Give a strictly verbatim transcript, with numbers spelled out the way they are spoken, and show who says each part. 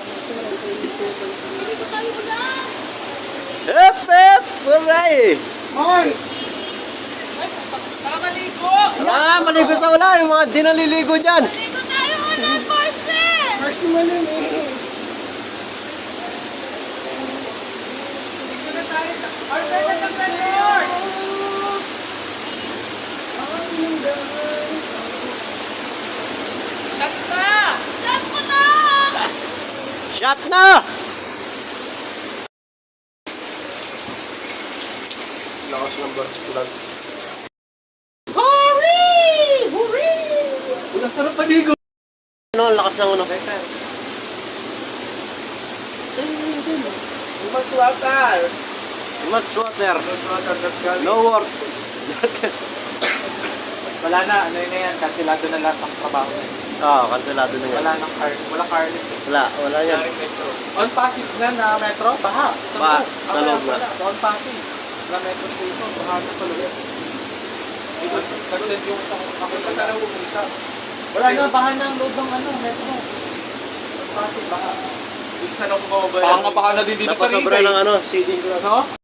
Speaker 1: Hep, hep! Hooray!
Speaker 2: Mars!
Speaker 3: Tara maligo!
Speaker 1: Ah, maligo sa ulan. Yung mga di naliligo dyan.
Speaker 3: Maligo tayo ulit, Marce!
Speaker 2: Mars malamig.
Speaker 3: Maligo na tayo. Order na ng resort! Shot na! Shot mo na!
Speaker 1: Shot na!
Speaker 2: Lakas ng barsulat.
Speaker 3: Hurry! Hurry!
Speaker 2: Ulang sarap paligo.
Speaker 1: Ano, ang lakas ng uno.
Speaker 2: Much water.
Speaker 1: Much water.
Speaker 2: Much water, that's galing.
Speaker 1: No work.
Speaker 2: Wala na, ano yun na yan, kansilado na lahat ng trabaho na yun.
Speaker 1: Oo, kansilado na yan.
Speaker 2: Wala nang car, wala car lift.
Speaker 1: Wala, wala yan.
Speaker 2: Wala rin metro. On passage na na metro, baha.
Speaker 1: Baha,
Speaker 2: loob.
Speaker 1: sa loob na.
Speaker 2: Wala, on passage. Wala metro station, baha na sa loob. Nag-send yung ako pa sana pumunta. Wala na, baha na ang loob ng ano, metro. On passage, baha. Dito sana ako mababaya. Baka nga baka na din dito sa
Speaker 1: Napasobra
Speaker 2: Rigay.
Speaker 1: ng ano, seeding ko lang.
Speaker 2: No?